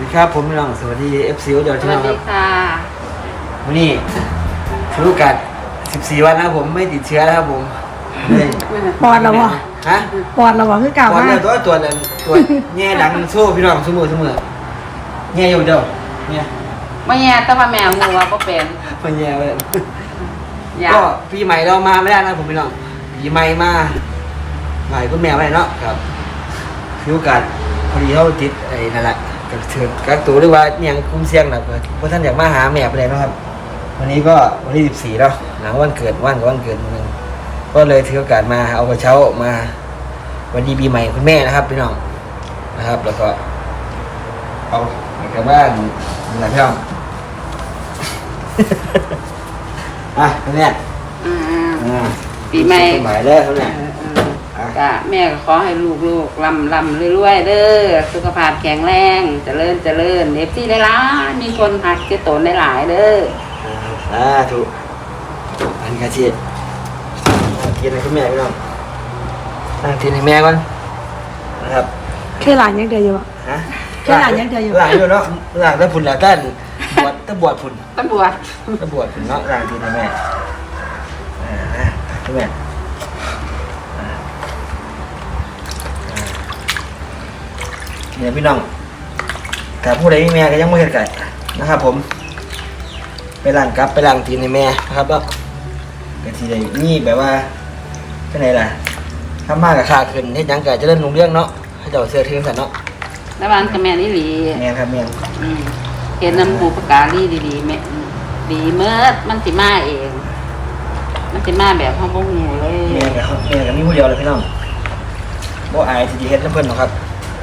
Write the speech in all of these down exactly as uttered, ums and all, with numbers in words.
ดีครับผมพี่น้องสวัสดี เอฟ ซี โอ เดี๋ยวสที่วัน้สองคดีรับค่ะวันนี้ถือโอกาสสิบสี่วันนะครับผมไม่ติดเชื้อแล้วครับผมเลยปอดแล้วบ่ฮะปอดแล้วบ่คือเก่าก่อนมาเนี่ยตัวตัวนั้นตัวแง่ดังโซ่พี่น้องสมือสมือแง่อยู่เดียวเนี่ยไม่แย่แต่ว่าแมวงูว่าก็เป็นมันแง่เลยอยากก็ปีใหม่เรามาไม่ได้นะผมพี่น้องปีใหม่มาใหม่คุณแม่ไม่ได้เนาะครับถือโอกาสพอดีเขาติดไอ้นั่นแหละกับเถือนกักตัวหรือว่าเนี่ยงคุ้มเสี่ยงแบบเพราะท่านอยากมาหาแม่ไปเลยเนาะครับ วันนี้ก็วันที่สิบสี่แล้วหลังวันเกิดวันกับวันเกิดนึงก็เลยถือโอกาสมาเอากระเช้ามาวันดีปีใหม่คุณแม่นะครับพี่น้องนะครับ แล้วก็เอากลับบ้านอะไรพี่น้อง อ่ะคุณแม่อ่าอ่าปีใหม่ปีใหม่แล้วคุณแม่เออเออก็แม่ก็ขอให้ลูกๆลำลำรวยๆเด้อสุขภาพแข็งแรงเจริญเจริญเอฟซีได้หลายมีคนหักเจตนได้หลายเด้ออ่าถูกอันนี้กระเทียมกินให้คุณแม่พี่น้องนั่งกินให้แม่ก่อนนะครับแค่หลานยังเดียวอยู่บ่ฮะแค่หลานยังเดียวอยู่หลานอยู่เนาะหลานถ้าพุ่นหลานต้านบวชถ้าบวชพุ่นตำรวจถ้าบวชพุ่นเนาะหลานกินให้แม่อ่านะคุณแม่อ่าอ่าเนี่ยพี่น้องแต่ผู้ใดมีแม่ก็ยังไม่เห็นไก่นะครับผม ไปล้างกับไปล้างตีนให้แม่นะครับแล้วก็ทีใดนี่แบบว่าเป็นไงล่ะถ้ามากกับค่าขึ้นเฮ็ดหยังก็จะเล่นลงเรื่องเนาะให้เจ้าเสื้อถึงสันเนาะแล้วบ้านกับแม่นี่หลีแม่ครับแม่อืมเห็นน้ำบูปการีดีๆแม่ดีเมื่อมันสิมาเอง มันสิมาแบบห้องพวกงูเลยแม่กับแม่กับมีผู้เดียวเลยพี่น้องบ่อายที่จะเฮ็ดน้ำเพิ่นหรอกครับ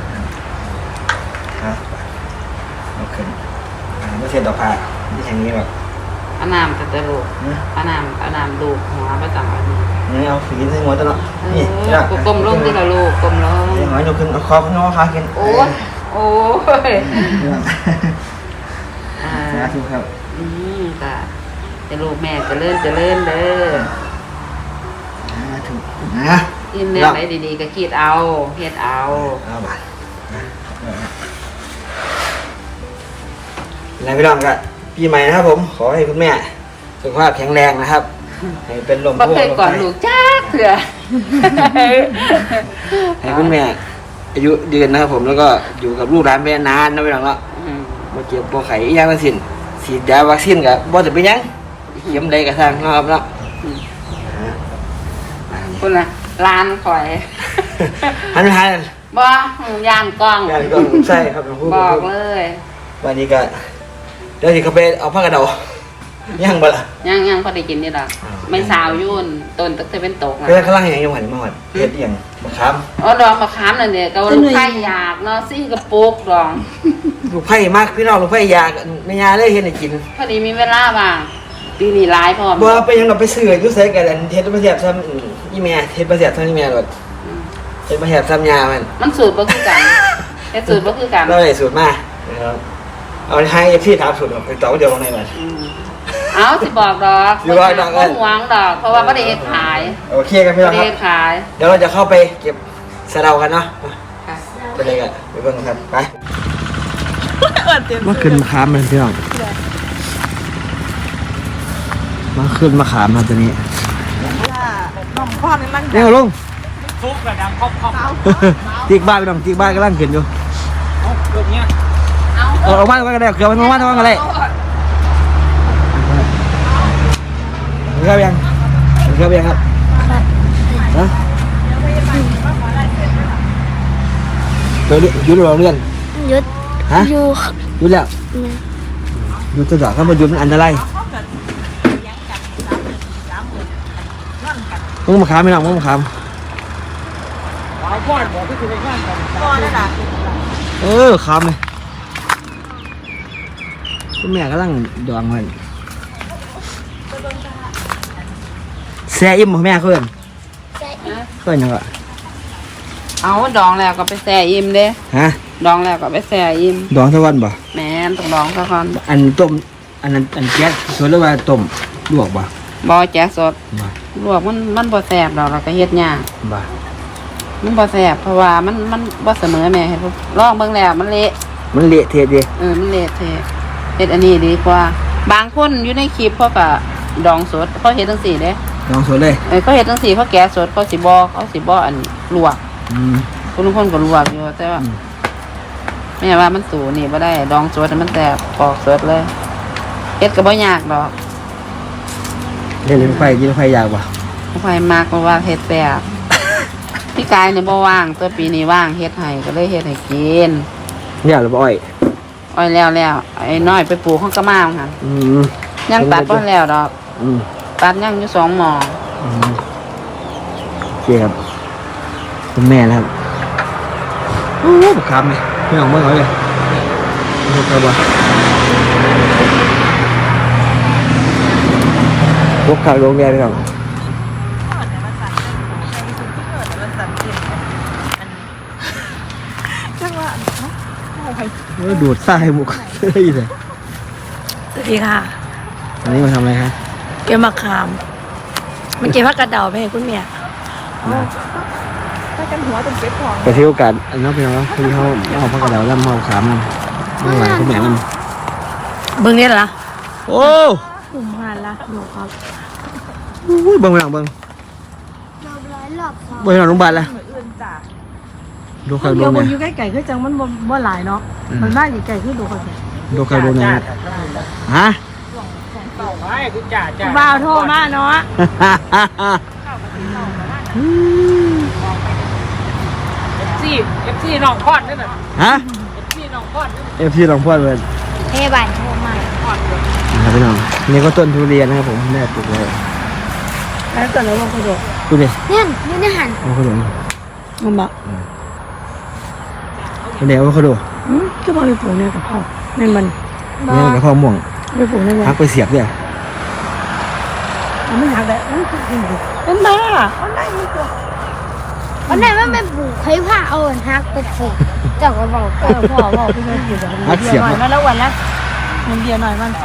ฮะเอาขึ้นอ่าไม่เสียดอกผ้าที่แห่งนี้แบบอาน้ำตะตะลูกนี่อาน้ำอาน้ำลูกหัวประจำอันนี้นี่เอาฝีนใส่หัวตลอดเอนี่อพี่น้องกลมลงที่ละลูกกลมลงนี่หอยยกขึ้นเอาคอขึ้นเอาขาขึ้นโอ้ยโอ้ยพี่น้องอ่าสาธุครับอืมค่ะจะลูกแม่เจะเลื่อนจะเลื่อนเด้อสาธุนะอินแนวไหนดีๆก็คิดเอาเฮ็ดเอาเอาบาทแล้วพี่น้องก็ปีใหม่นะครับผมขอให้คุณแม่สุขภาพแข็งแรงนะครับ ให้เป็นลมบ่เคยก่อนลูกจ้าเถื่อให้คุณแม่อายุยืนนะครับผมแล้วก็อยู่กับลูกหลานแม่นานนะพี่น้องเนาะอืมมาเจ็บปวดไข้อีกอย่างทั้งสิ้นฉีดยาวัคซีนกับบ่จะเป็นหยังเข็มใดก็สร้างเนาะครับเนาะอืมคุณล่ะลานข่อยหันไปหาบ่หืมย่านกล้องงานก็ใช่ครับหลวงพ่บอกเลยวันนี้ก็เดี๋ยวสิเขาไปเอาผ้ากระเดายังบ่ล่ะยังยังพอได้กินนี่ล่ะอ้าวไม่สาวยุ่นต้นตักแต่เป็นตกเพื่อนล่ะข้างล่างยังยังหันมาหอดเฮ็ดอีหยังมะขามอ๋อดองมะขามนั่นเนี่ยก็ลูกไข่อยากเนาะซี่กระปุกดองลูกไผ่มากพี่น้องลูกไผ่ยากแม่ยาเลยเฮ็ดให้กินพอดีมีเวลาว่างปีนี้หลายพร้อมบ่ไปยังเราไปซื้ออยู่ไสกันอันเฮ็ดบ่แซ่บซ้ำอืมอีแม่เฮ็ดบ่แซ่บซ้ำอีแม่โลดอืมเฮ็ดบ่แซ่บซ้ำยามันมันสูตรบ่คือกันแต่สูตรบ่คือกันเราได้สูตรมานะครับเอาให้เอฟซีถามสูตรไปต่อเดี๋ยวลงในมันอืมเอาสิบอกดอกสิบอกดอกเอิ้บ่นหวงดอก เพราะว่าบ่ได้เฮ็ดขายโอเคกันพี่บ่น้องได้ครัเฮ็บดขายเดี๋ยวเราจะเข้าไปเก็บสะเดากันเนาะค่ะไปเลยกันไปเบิ่งกันครับไปมาขึ้นมะขามมันพี่น้องมาขึ้นมะขามมาตัวนี้น้องพ่อนี่มันเนี่ยลงฟุกระดังครอบครอบตีกบ้านพี่น้องตีกบ้านกำลังขึ้นอยู่เอาแบบเนี้ยเอาเออเอาบ้านก็ได้เกือบมันมาบ้านก็ได้เกือบยังเกือบยังครับฮะตัวนี้ยุดเราเลื่อนยุดฮะอยู่ยุดแล้วยุดจะด่าข้ามายุดมันอันตรายมึงมาขามไม่หรอกมึงมาขามหวานก้อนบอกที่คุณในงานกันพ่อนั่นน่ะเออขามเลยคุณแม่กำลังดองมันแซ่อิ่มบ่แม่เพื่อนเพื่อนยังไงเอาดองแล้วก็ไปแช่อิ่มเด้ฮะดองแล้วก็ไปแช่อิ่มดองทุกวันบ่แม่นต้องดองซะก่อนอันต้มอันนั้นอันแก๊สส่วนหรือว่าต้มลวกบ่บ่แจ๊กสดบ่ลวกมันมันบ่แซ่บดอกเราก็เฮ็ดยากบ่มันบ่แซ่บเพราะว่ามันมันบ่เสมอแม่เฮ็ดบ่ลองเบิ่งแล้วมันเละอมันเละเทะดิเออมันเละเทะเฮ็ดอันนี้ดีกว่าบางคนอยู่ในคลิปเขาก็ดองสดเขาเฮ็ดจังซี่เด้ลองสวนเลยเออเขาเฮ็ดจังซี่เขาแกะสดเขาสิบ่เขาสิบ่อันลวกอืมคนทุกคนก็ลวกอยู่แต่ว่าอืมแม่ว่ามันสูนี่บ่ได้ดองสดมันแตกปอกสดเลยเฮ็ดก็บ่ยากดอกเล่นรถไฟกินรถไฟยากป่ะไฟมากเพราะว่าเฮ็ดแซ่บ พี่กายเนี่ยบ่ว่างตัวปีนี้ว่างเฮ็ดให้ก็เลยเฮ็ดให้กินเนี่ยหรืออ้อยอ้อยแล้วแล้วไอ้น้อยไปปลูกข้างกระมาค่ะอืมยังตัดบ่แล้วดอกอืมตัดยังอยู่สองหมออืมโอเคครับคุณแม่นะครับโอ้โหบักคำเลยไม่ออกเมื่อไหร่เลยดูกระบะพวกข่าวโรงแรมไปก่อนจังว่าโอ้ยดูดทรายมุกเฮ้ยเลยสวัสดีค่ะอันนี้มาทำอะไรครับเก็บมะขามมันเก็บผักกระเดาไปให้คุณแม่ถ้ากันหัวเป็นเป็ดทองไปเที่ยวกันอันนั้นเป็นไงคือเขาเอาพักกระเดาแล้วมาเอาขามมันไม่ไหวคุณแม่มันเบิ่งนี่ล่ะโอ้กลุ่มงานละดูครับยเบิ่งไปหลังเบิ่งเบิ่งหลังโรงพยาบาลละดูข่าวโรเดี๋ยวงมัแรนมอยู่ใกล้ๆคือจังมันบ่บ่หลายเนาะอืมมันมาอยู่ไกลคือดูคนเดียวดูข่าวโรงแรมฮะต่อไปคือจ่าจ่าบ่าวโทรมาเนาะเอฟซีเอฟซีน้องพอดนั่นน่ะฮะเอฟซีน้องพอดนั่นเอฟซีลองพูดเลยเฮ้บ้านโทรมานะครับพี่น้องนี่ก็ต้นทุเรียนนะครับผมแม่ปลูกไว้แล้วตอนนั้นมันก็ดูดูดิเนี่ยนี่นี่หันเอาขนมมันบอกเดี๋ยวเอาขนมอืมก็บอกไปปลูกเนี่ยกับพ่อนั่นมันนี่กับข้าวม่วงไปปลูกนั่นมันพักไปเสียบเนี่ยมันไม่หักเลยมันคือเป็นบ้ามันได้มันตัววันไหนมันเป็นปลูกใครผ้าเอาอันฮักไปปลูกเจ้าก็บอกเออพ่อบอกพี่ไม่ผิดหรอกมันเบียร์หน่อยมันแล้ววันละมันเบียร์หน่อยมัน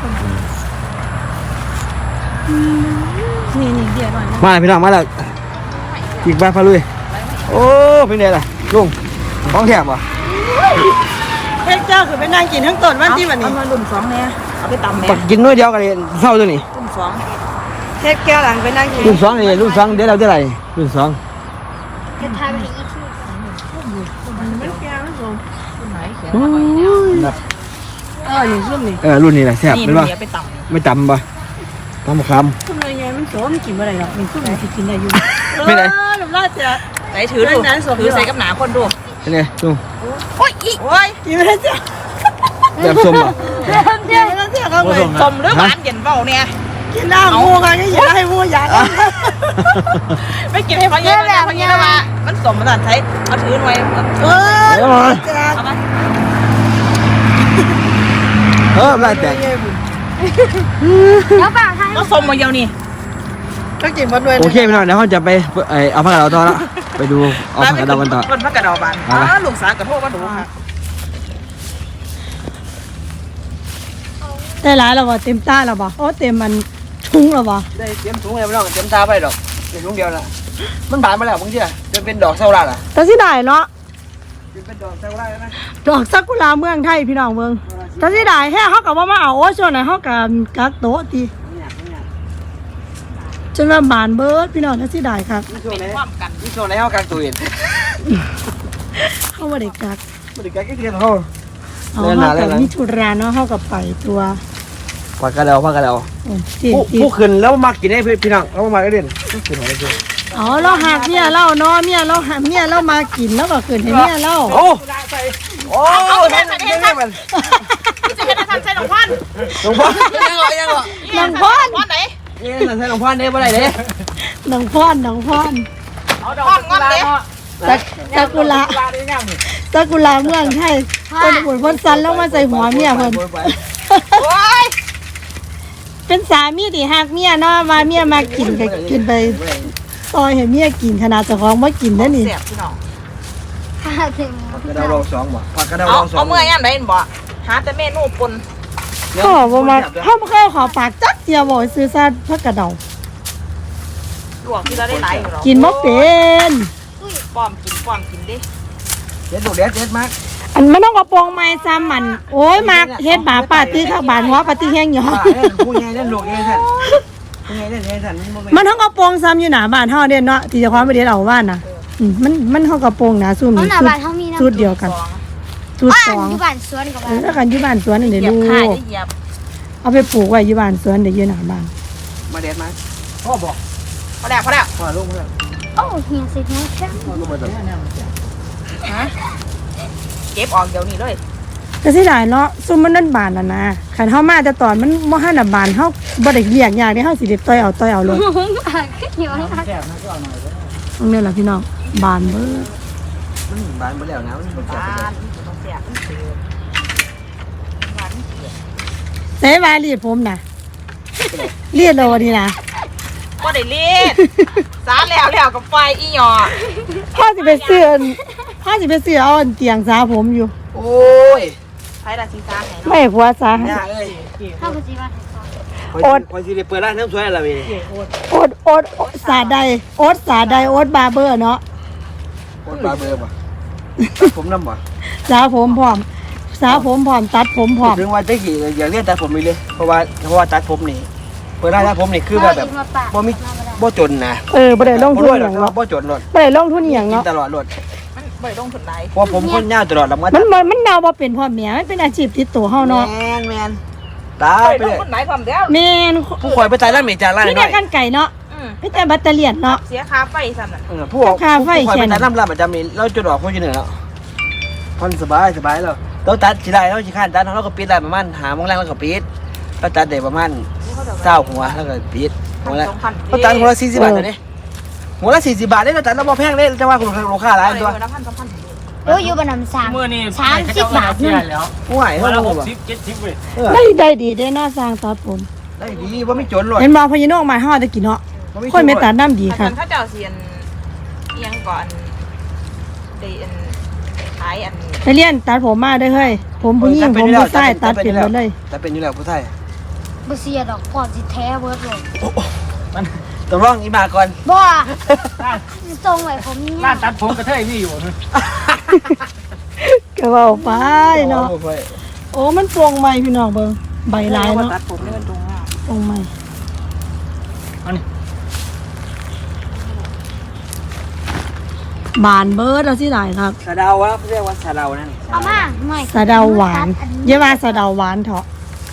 นี่นี่เบียร์หน่อยนะมาเลยพี่น้องมาแล้วอีกบ้านพาลุยโอ้เป็นไงล่ะลุงของแถมวะเฮ้ยเจ้าคือไปนั่งกินทั้งต้นวันที่วันนี้เอามาลุ่มสองเนี่ยเอาไปตำแม่ปักกินน้อยเดียวกันเลยเศร้าตัวนี้ลุ่มสองเทปแก้วหลังไปนั่งกินรุ่นสองนี่รุ่นสองเดี๋ยวเราจะไรรุ่นสองจะทำให้อีกทีมันแก้วมันสูงแบบเออนี่รุ่มนี่เออรุ่นนี้แหละแซ่บเป็นปะไปตำไม่จำปะตำมะขามทำไมไงมันโสมกินอะไรหรอกมันขึ้นมาสิกินได้อยู่ไม่ได้หนุ่มราชจะไหนถือดูถือใส่กับหนาคนดูเป็นไงลุงโอ้ยอีโอ้ยกินไม่ได้จ้ะแบบส้มปะกินไม่ได้จ้ะเขาเลยสมหรือหวานเย็นเบาเนี่ยกินได้มูกันก็อย่าให้มูอยากไม่กินให้พังเย็นนะพังเย็นแล้วมามันสมมันใช้เอาถือหน่อยเออเออเอามาเออได้แต่แล้วเปล่าทางก็สมมาเดียวนี่ก็กินมาด้วยโอเคพี่น้องเดี๋ยวเขาจะไปเอ่อเอาผักกาดเราต่อละไปดูเอาผักกาดเรากันต่อคนพักกระดาบานเอาอ๋ละอลูกสาวกระโทษก็ดูค่ะได้หลายแล้วบ่เต็มตาแล้วบ่โอ้เต็มมันทุ่งแล้วบ่ได้เตรียมถุงเลยพี่น้องเตรียมตาไปดอกเดี๋ยวถุงเดียวละมันบานมาแล้วมึงเชื่อจะเป็นดอกเซาลาล่ะแต่สิได้เนาะจะเป็นดอกเซาลาแล้วนะดอกซากุระเมืองไทยพี่น้องเมืองแต่สิได้แฮ่เฮาก็บ่มาเอาโอ้ช่วงนั้นเฮาก็กักโต๊ะติจนว่าบานเบิดพี่น้องแต่สิได้ครับนี่ช่วงไหนความกันนี่ช่วงไหนเขากางตัวเองเฮาบ่ได้กักไม่ได้กางแค่เทียนเขาเอาเล่นเฮาหนาเล่กับนหลังมิถุราเนาะเฮากับไปตัวผักกาดเราผักกาดเราโอ้ติดผู้ติดผู้ขึ้นแล้วมากินให้พี่น้องแล้วมาก็เด่นขึ้นหัวเลยอ๋อเราหักเมียเราเนาะเมียเราหักเมียเรามากินแล้วก็ขึ้นให้เมียเราโอ้โอ้นั่นนี่มันจะเป็นทำใส่หลวงพ่อหลวงพ่อยังไงยังไงนางพรพ่อไหนนี่นั่นใช่หลวงพ่อเนี่ยบ่ได้เด้นางพรนางพรเอาดอกงอนเด้ซาซากุระซากุระเมืองไทยคนบุญพ้นสันแล้วมาใส่หัวเมียเพิ่นโอ้ยเป็นสามีที่หักเมียเนาะมาเมียมากินก็กินไปซอยให้เมียกินขนาดเจ้าของบ่กินนะนี่เสียบพี่น้องถ้าถึงผักกระเดาลองสองบ่ผักกระเดาเอาลองสองเอาเมื่อยามไหนบ่หาแต่เมนูปนก็บ่มาเฮาบ่เคยขอปากจักเดียวบ่ซื้อซาผักกระเดาลวกที่เราได้หลายอยู่หรอกินบ่เป็นป้อมกินป้อมกินดิเด็ดดูเด็ดเด็ดมากออันมันต้องกระโปรงไม้ซ้ำมัน โอ้ยมากเฮ็ดหมาป่าตื้อข้างบ้านหัวปาตื้อแห้งหยอป่าเล่นผู้ใหญ่เล่นลูกใหญ่ท่านผู้ใหญ่เล่นใหญ่ท่านมันบ่แม่นมันทั้งกระโปรงซ้ำอยู่หน้าบ้านเฮาเด่นเนาะที่เจะความไปเด็ดเอาบ้านน่ะอืมมันมันเฮากระโปรงหนาซุ่มเพราะนี่หน้าชุดบ้านเขามีน้ำชุดเดียวกันชุดบ้าสนองอยู่บ้านสวนกับเอบ้าอน แล้วกันอยู่บ้านสวนนี่เด้เหยียลูบกค่ายได้เหยียบเอาไปปลูกไว้อยู่บ้านสวนเดี๋ยวอยู่หน้าบ้านมาเด็ดมาพ่อบอกพอแล้วพอแล้วพ่อลงมาแล้วโอ้เฮียสิเฮียแค่พ่อลงมาแล้วฮะเก็บออกเดี๋ยวนี้เลยก็สิได้เนาะซุ่มมันนั่นบานแล้วนะคันเฮามาแต่ตอนมันบ่ทันน่ะบานเฮาบ่ได้เรียกยากเด้เฮาสิได้ต่อยเอาต่อยเอาลงบ้านก็อยู่ข้างแคบนะก็เอาหน่อยเลยตรงนี้ล่ะพี่น้องบานเบิดมันบานไปแล้วนะมันบ่จับบ้าไปแล้วนต้องเสียมันเสียบ้านเสียเสวารีดผมน่ะเรียดแล้ววันนี้นะก็ได้เล่นสาแล้วแล้วกับไฟอีหยอพ่อสิไปเสื้อพ่อสิไปเสื้อเอาอันเตียงสาผมอยู่โอ้ยไฟละสีฟ้าไหนเนาะไม่ผัวสาให้ย่าเอ้ยๆเข้าไปสิบ้านคอยสิคอยสิได้เปิดร้านน้ำสวยอะไรเว้ยโอ๊ตโอ๊ตโอ๊ตสาใดโอ๊ตสาใดโอ๊ตบาร์เบอร์เนาะคนปลาเบอร์ป่ะผมน้ำป่ะสาผมพร้อมสาผมพร้อมตัดผมพร้อมถึงว่าตะกี้อยากเรียนตัดผมไปเลยเพราะว่าเพราะว่าตัดผมนี่เปิดร้านตัดผมนี่คือแบบแบบบ่มีบ่จนนะเออบ่ได้ลงทุนบ่อรวยหรหอกย่างแต่ว่าเนาะบ่จนหรอกบ่ได้ลงทุนอหย่างกินเนาะตลอดรถมันบ่ได้ลงทุนหลายเพราะผมคนยาวตลอดแล้วมามันบ่มันเดาบ่เป็นพ่อแม่มันเป็นอาชีพติดตัวเฮาเนาะแมนแมนตายบ่ไปได้ลเลยงทุนหลายความเดียวแม่นผู้คอยไปตายร้านเมจาร้านนี่น้แต่อยกันไก่เนาะอืมไม่แต่แบตเตอรี่เนาะเสียค่าไฟสั่นน่ะเออผู้ผู้คอยไปตายร้านร้านประจำนี่เราจุดออกคนที่หนึ่งแล้วพอนสบายสบายแล้วเราตัดสิได้เราสิข้านตัดเราก็ปิดได้ประมาณหาโมงแรงแล้วก็ปิดเราตัดได้ประมาณเก้าหัวแล้วก็ปิดหัวละเราตัดหัวละสี่สิบบาทเลยหัวละสี่สิบบาทเลยเราตัดเราบ่แพงเลยจะว่าคุณลูกค้าหลายตัวละพันสองพันโอ้ยอยู่บ้านน้ำสางเมื่อนี่สามสิบบาทเสีนึยงแล้วห่วยวัเท่านละไหร่หกบ่สิบเจ็ดสิบเว้ยเออได้ได้ดีได้น่าสร้างตัดผมได้ดีว่าไม่จนหรอกเห็นบ่พญานกมาเฮาตะกี้เนาะคนไม่ตัดน้ำดีอันค่ะนั้นถ้าเจ้าเสียนเอียงก่อนได้อันขายอันไปเรียนตัดผมมาเด้อเฮ้ยผมผู้หญิงผมผู้ชายตัดเป็นหมดเลยแต่เป็นอยู่แล้วผู้ไทยบ่เสียดอกพอสิแท้เบิดเลยต้องร้องอีมาก่อนบ่ทรงไว้ผมนี่ร้านตัดผมกระเทยนี่อยู่นะก็เว้าไปเนาะโอ้มันปวงใหม่พี่น้องเบิ่งใบลายเนาะตัดผมนี่มันตรงอ่ะปวงใหม่บานเบิดแล้วสิหลายครับสะเดาวะเรียกว่าสะเดานั่นเอามาหน่อยสะเดาหวานอย่าว่าสะเดาหวานเถอะ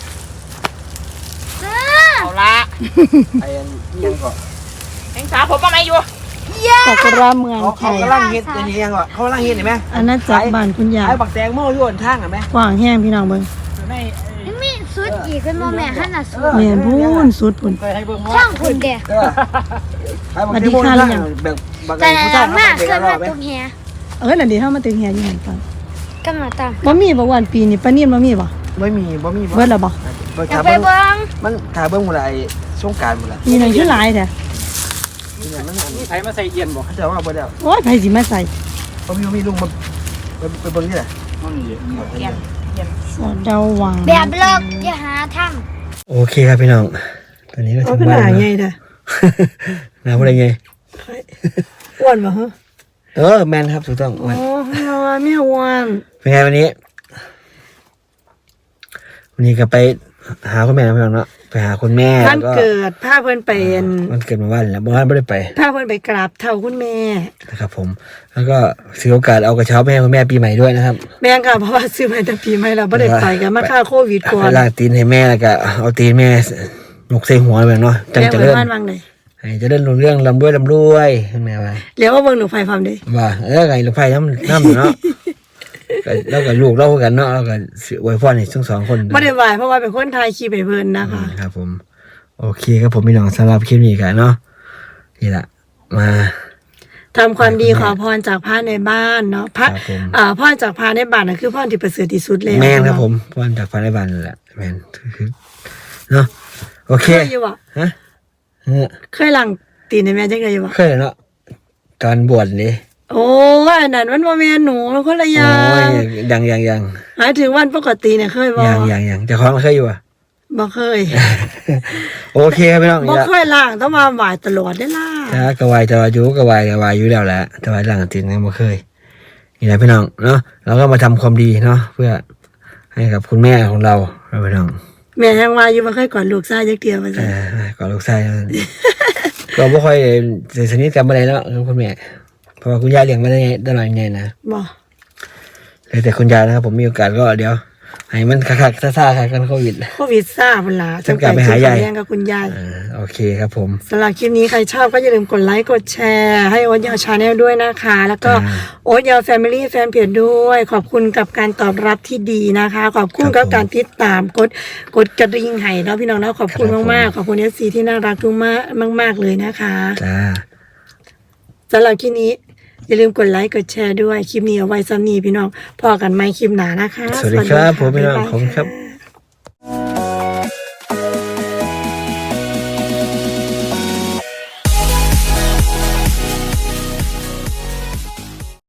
เอาละไอ้ยังก็แองสาผมมาไหมอยู่ตะกระเมืองเขาไทเขายกำลังเฮ็ดอันนี้ยังก็เขากำลังเฮ็ดเห็นไหมอันนั้นจากบ้านคุณยายไอ้บักแตงโม่อยู่บนทางเห็นไหมกว้างแห้งพี่น้องเบิ่งในยังมีสุดอีกเป็นบ่แม่หั่นน่ะสุดแม่นพูนสุดพุ่นเคยให้เบิ่งช่องคุณเด้เออไอ้บักแตงโม่อยู่ทางแบบบักแตแต่งผู้ละชายมาเขาเคเป็นยอะไรไหมมาตุ้มแฮเออนั่นดิเฮามาถึงแฮอยู่หั่นก่อนกำลังตามบ่มีบ่วันปีนี้ปานีนบ่มีบ่ไม่มีบ่มีเบิดแล้วบ่อยาถากไปเบิ้งเบิ่งมันถาเบิ้งหมดไอ้สงการหมดละมีหนังชื่อหลายแท้มันนี่ใช้มาใส่เย็นบ่เขาจะว่าบ่ได้โอ้ยไผสิมาใส่บ่มีมีลุงมาไปเบิ้งที่ไหนเกียนเกียนสะเดาหวานแบบเลิกอย่าหาทำโอเคครับพี่น้องตอนนี้ก็ถึงบ้านแล้วเด้อหน้าบ่ได้ไงอ้วนบ่ฮะเออแมนครับถูกต้องโอ้ยแม่อ้วนเป็นไงวันนี้ วันนี้ก็ไปหาคุณแม่นะพี่น้องเนาะไปหาคุณแม่วันเกิดพาเพิ่นไปวันเกิดมาวันแล้วบ้านไม่ได้ไปพาเพิ่นไปกราบเฒ่าคุณแม่นะครับ ผม แล้วก็ถือโอกาสเอากระเช้าไปให้คุณแม่ปีใหม่ด้วยนะครับแม่งค่ะเพราะว่าซื้อมาแต่ปีใหม่แล้วบ่ได้ไปกันมาค่าโควิดก่อไปนลากตีนให้แม่แล้วก็เอาตีนแม่ยกใส่หัวเลยเนาะจังแม่จะเบิ่เลื่งอนบ้านวังไดให้เจะเลื่อนเรื่องลำด้วยลำด้วยคุณแม่ว่าแล้วว่าเบิ่งหนูไฟความเด้ว่าเออไงลูกไฟน้ำน้ำเนาะก็แล้วก็ลูกเล่ากันเนาะแล้วก็สิอวยพรให้ทั้งสองคนบ่ได้ไหวเพราะว่าเป็นคนถ่ายคลิปให้เพิ่นนะคะครับผมโอเคครับผมพี่น้องสำหรับคลิปนี้กันเนาะนี่แหละมาทำความดีขอพรจากพระในบ้านเนาะพระครับผมอ่าพรจากพระในบ้านน่ะคือพรที่ประเสริฐที่สุดแล้วแม่นครับผมพรจากฟ้าในบ้านนั่นแหละแม่นคือเนาะโอเคเคยอยู่บ่ฮะเออเคยล้างตีนให้แม่จังได๋อยู่บ่เคยเนาะตอนบวชนี่โอ้ยอันนั้นมันบ่แม่นหนูมันคนละอโอ้ย่างยยังยังยังหมายถึงวันปกติเนี่ยเคยบ่ยังยังยังแต่ของเคยอยู่อ่ะบ่เคยโอเคครับพี่น้องบ่นี่ละเคยล้างต้องมาไหว้ตลอดได้ล่ะถ้ากระวายจะวายุกระวายกระวายอยู่แล้วแหละแต่ว่าหลังตีนยังไม่เคยนี่แหละพี่น้องเนาะเราก็มาทำความดีเนาะเพื่อให้กับคุณแม่ของเราเราพี่น้องแม่ยังว่าอยู่บ่เคยกอดลูกชายจักเดียวว่าเอซั่นอก่อนลูกชาย ก็ไม่ค่อยสนิทกันมาเลยเนาะคุณแม่เพราะว่าคุณยายเลี้ยงมาได้ไงได้หน่อยไงนะบ่เลยแต่คุณยายนะครับผมมีโอกาสก็เดี๋ยวให้มันคักๆซ่าๆกันโควิดโควิดซ่าพุ่นล่ะจะกลับไปหายายแย่งกับคุณยายอ่าโอเคครับผมสำหรับคลิปนี้ใครชอบก็อย่าลืมกดไลค์กดแชร์ให้โอ๊ตยาวชาแนลด้วยนะคะ แล้วก็อ่าโอ๊ตยาวแฟมิลี่แฟนเพจด้วย ขอบคุณกับการตอบรับที่ดีนะคะ ขอบคุณครักับบผมการติดตามกดกดกระดิ่งให้เนาะพี่น้องเนาะขอบคุณครับผมมากๆขอบคุณเอฟซีที่น่ารักทุกมากมากๆเลยนะคะจ้าสำหรับคลิปนี้อย่าลืมกดไลค์กดแชร์ด้วยคลิปนี้เอาไว้ซ้ำนี้พี่น้องพอกันไหมคลิปหนานะคะสวัสดีครับผมพี่น้องบ๊ายบายผมครับะ